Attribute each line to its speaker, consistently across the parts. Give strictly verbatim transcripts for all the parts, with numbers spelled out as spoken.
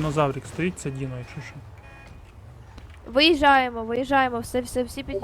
Speaker 1: динозаврик стоїть, це Діно, якщо що.
Speaker 2: Виїжджаємо, виїжджаємо, все, все, всі під...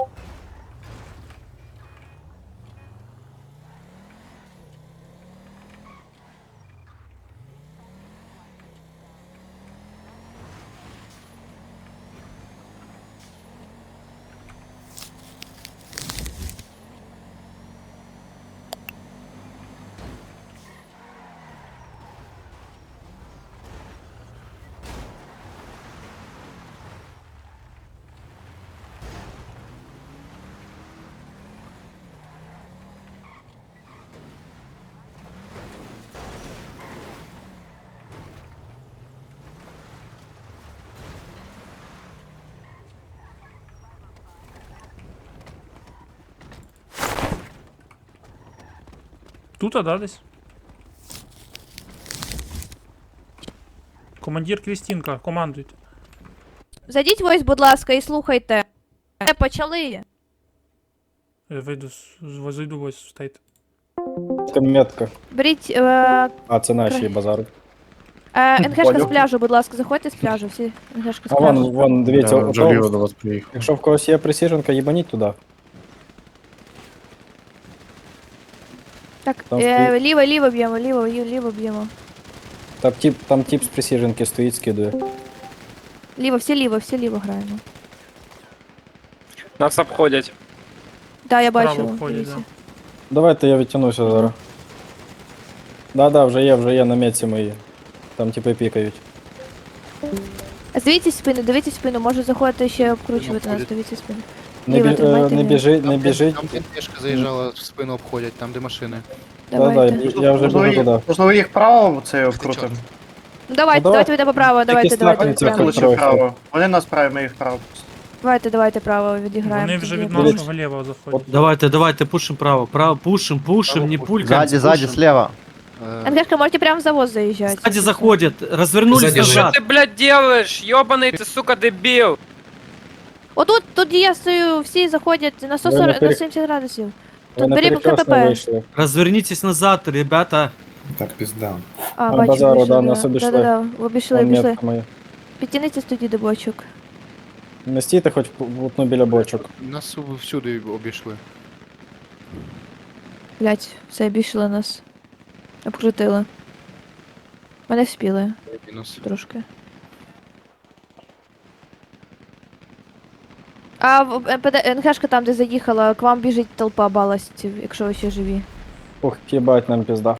Speaker 1: Тут, а да, десь? Командир Крістінка, командуйте.
Speaker 2: Зайдіть ось, будь ласка, і слухайте. Е, Почали.
Speaker 1: Я вийду, з- з- зайду ось, стейте.
Speaker 3: Метка.
Speaker 2: Беріть е,
Speaker 3: А, це наші
Speaker 2: Кра-
Speaker 3: базари.
Speaker 2: е, НГшка з
Speaker 3: Понял.
Speaker 2: пляжу, будь ласка, заходьте з пляжу, всі НГшка з
Speaker 3: А вон,
Speaker 2: пляжу.
Speaker 3: вон, дивіться,
Speaker 4: Я вже ліво
Speaker 3: ото,
Speaker 4: до вас приїхав.
Speaker 3: якщо в когось є присіженка, їбаніть туди.
Speaker 2: Так,
Speaker 3: Там
Speaker 2: е,
Speaker 3: стоїть.
Speaker 2: ліво, ліво б'ємо, ліво, ліво, ліво б'ємо.
Speaker 3: Там тип, там тип з присіженки стоїть, скидує.
Speaker 2: Ліво, всі ліво, всі ліво граємо.
Speaker 5: Нас обходять.
Speaker 2: Да, я
Speaker 1: Справа
Speaker 2: бачила.
Speaker 1: входять,
Speaker 2: дивіться.
Speaker 1: да.
Speaker 3: Давайте я відтягнуся зараз. Да-да, вже є, вже є на метці мої. Там типи пікають.
Speaker 2: Дивіться спину, дивіться спину, може заходити ще обкручувати нас,
Speaker 4: обходять.
Speaker 2: дивіться спину.
Speaker 3: Не,
Speaker 2: Ліво
Speaker 3: бі, е,
Speaker 2: тримайте,
Speaker 3: не
Speaker 2: ліво.
Speaker 3: біжить, не
Speaker 4: Там,
Speaker 3: біжить.
Speaker 4: Там кешка заїжджала, в спину обходять, там де машини.
Speaker 3: Да-да,
Speaker 2: Давайте.
Speaker 3: я- я вже біжу туди.
Speaker 6: Можливо, їх право це обкрутимо.
Speaker 2: Ну давайте,
Speaker 3: Ну, давай.
Speaker 2: давайте йдемо право, давайте, давайте,
Speaker 3: снапнеться,
Speaker 2: прямо.
Speaker 3: коли-
Speaker 6: Лучше право. Вони нас право, ми їх право.
Speaker 2: Давайте, давайте право відіграємо.
Speaker 1: Вони вже
Speaker 2: тоді.
Speaker 1: від
Speaker 3: Дивіться.
Speaker 1: нашого лівого заходять.
Speaker 7: Давайте, давайте, пушим право. Право, пушим, пушим,
Speaker 4: Право
Speaker 7: не
Speaker 4: пушим.
Speaker 7: пулькаем.
Speaker 8: Сзади, сзади,
Speaker 7: пушим.
Speaker 8: слева.
Speaker 4: Е,
Speaker 2: НГшка, можете прямо в завоз заїжджати.
Speaker 7: Сзади заходят, развернулись
Speaker 5: Что
Speaker 7: назад.
Speaker 5: ты, блядь, делаешь? Ёбаный ты, сука, дебил!
Speaker 2: Отут, тут я стою, всі заходять на сто
Speaker 3: Ви
Speaker 2: сорок,
Speaker 3: на перек-
Speaker 2: на сімдесят градусів.
Speaker 3: Ви
Speaker 2: Тут
Speaker 3: на
Speaker 2: беремо
Speaker 3: перекресно
Speaker 2: КПП.
Speaker 3: вийшли.
Speaker 7: Развернитесь назад, ребята.
Speaker 4: Так, пізда.
Speaker 2: А,
Speaker 3: На
Speaker 2: бачу,
Speaker 3: базару,
Speaker 2: вийшли,
Speaker 3: да, нас обійшли.
Speaker 2: Да-да-да, обійшли,
Speaker 3: Там
Speaker 2: обійшли.
Speaker 3: метка моя.
Speaker 2: Підтяніться тоді до бочок.
Speaker 3: Не стійте хоч в одну біля бочок.
Speaker 4: Нас всюди обійшли.
Speaker 2: Блять, все, обійшли нас. Обкрутили. Мене вспіли
Speaker 4: Мінус.
Speaker 2: трошки. А в- МПД, НГшка там, де заїхала, к вам біжить толпа баластів, якщо ви ще живі.
Speaker 3: Ух, їбать нам пізда.